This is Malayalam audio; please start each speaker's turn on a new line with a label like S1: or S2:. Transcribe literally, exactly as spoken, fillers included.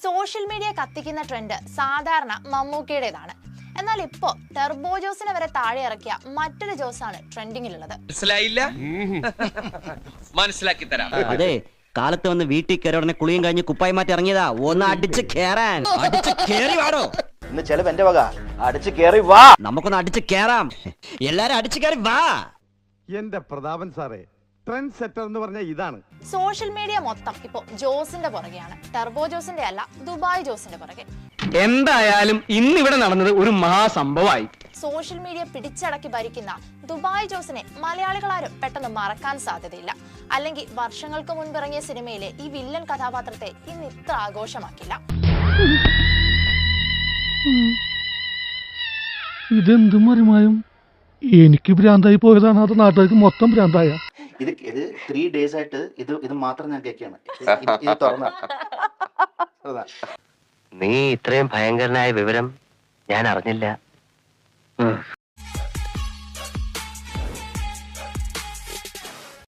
S1: സോഷ്യൽ മീഡിയ കത്തിക്കുന്ന ട്രെൻഡ് സാധാരണ മമ്മൂക്കയുടേതാണ്. എന്നാൽ ഇപ്പോ ടെർബോ ജോസിനെ വരെ താഴെ ഇറക്കിയ മറ്റൊരു ജോസാണ് ട്രെൻഡിങ്ങിലുള്ളത്.
S2: മനസ്സിലായില്ല? മനസ്സിലാക്കി തരാം.
S3: അതെ, കാലത്ത് വന്ന് വീട്ടിൽ കയറി ഉടനെ കുളിയും കഴിഞ്ഞ് കുപ്പായി മാറ്റി ഇറങ്ങിയതാ. ഒന്ന് അടിച്ച് കേറാൻ. അടിച്ച് കേറി വാടോ.
S4: ഇന്ന് ചെലവ് എന്റെ വക. അടിച്ച് കേറി വാ.
S3: നമുക്കൊന്ന് അടിച്ച് കേറാം. എല്ലാരും അടിച്ച് കേറി വാ.
S5: എന്റെ പ്രതാപൻ സാറേ, ട്രെൻഡ് സെറ്റർ എന്ന് പറഞ്ഞ ഇതാണ്.
S1: സോഷ്യൽ മീഡിയ മൊത്തം ഇപ്പോ ജോസിന്റെ പുറകെയാണ്. ടെർബോ ജോസിന്റെ അല്ല, ദുബായ് ജോസിന്റെ പുറകെ.
S6: എന്തായാലും ഇന്നിവിടെ നടന്നത് ഒരു മഹാസംഭവമായി.
S1: സോഷ്യൽ മീഡിയ പിടിച്ചടക്കി ഭരിക്കുന്ന ദുബായ് ജോസിനെ മലയാളികളാരും പെട്ടെന്ന് മറക്കാൻ സാധ്യതയില്ല. അല്ലെങ്കിൽ വർഷങ്ങൾക്ക് മുൻപ് ഇറങ്ങിയ സിനിമയിലെ ഈ വില്ലൻ കഥാപാത്രത്തെ ഇന്ന് ഇത്ര ആഘോഷമാക്കില്ല.
S7: ഇതെന്തും മറിമായും എനിക്ക് ഭ്രാന്തായി പോയതാണ്, അത് നാട്ടുകാർക്ക് മൊത്തം ഭ്രാന്തായ.
S4: ഇത് ഇത് ത്രീ ഡേയ്സ് ആയിട്ട് ഇത് ഇത് മാത്രം ഞാൻ കേൾക്കുകയാണ്. ഇത് തുറന്ന
S3: നീ ഇത്രയും ഭയങ്കരനായ വിവരം ഞാൻ അറിഞ്ഞില്ല.